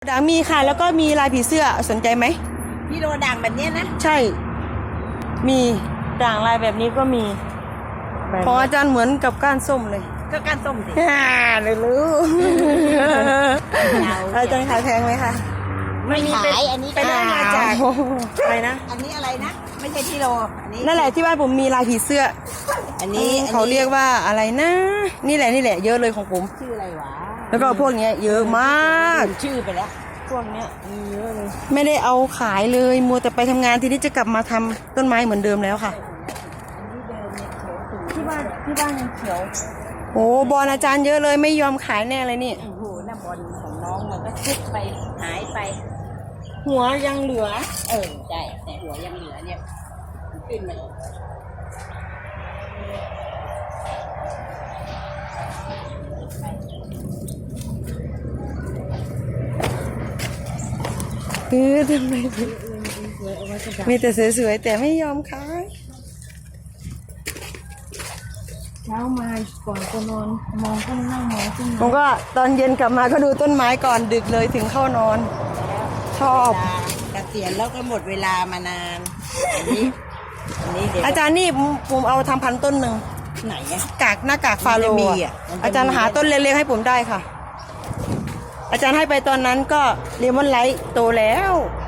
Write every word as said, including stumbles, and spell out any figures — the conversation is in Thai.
ด่างมีค่ะแล้วก็มีลายผีเสื้อสนใจไหมพี่โรด่างแบบเนี้ยนะใช่มีด่างลายแบบนี้ก็มีของอาจารย์เหมือนกับก้านส้มเลยก็การต้มสิฮ่าเลยรู้อาจารย์ขายแพงไหมคะไม่ขายอันนี้ไปได้มาจากอะไรนะอันนี้อะไรนะไม่ใช่พี่โรอันนี้นั่นแหละที่บ้านผมมีลายผีเสื้ออันนี้เขาเรียกว่าอะไรนะ นี่แหละนี่แหละเยอะเลยของผมชื่ออะไรวะแล้วก็พวกเนี้ยเยอะมากลืมชื่อไปแล้วพวกเนี้ยมีเยอะเลย ไม่ได้เอาขายเลยมัวแต่ไปทำงานทีนี้จะกลับมาทำต้นไม้เหมือนเดิมแล้วค่ะ ที่บ้านที่บ้านยังเขียวโอ้บอลอาจารย์เยอะเลยไม่ยอมขายแน่เลยนี่โอ้โหน้ำบอลของน้องมันก็ชุดไปหายไปหัวยังเหลือเออใช่แต่หัวยังเหลือเนี่ยขึ้นมาอีกเออทำไมมีแต่สวยๆแต่ไม่ยอมขายเช้ามาก่อนจะนอนมองต้นนั่งมองต้นผมก็ตอนเย็นกลับมาก็ดูต้นไม้ก่อนดึกเลยถึงเข้านอน ชอบเกษียณแล้วก็หมดเวลามานานอันนี้อันนี้เดี๋ยวอาจารย์นี่ผมผมเอาทำพันต้นหนึ่งไหนอะกากหน้ากากฟาโรมันจะมีห์อ่ะมันจะมีอาจารย์หาต้นเล็กๆให้ผมได้ค่ะ อาจารย์ให้ไปตอนนั้นก็เลมอนไลท์โตแล้วอ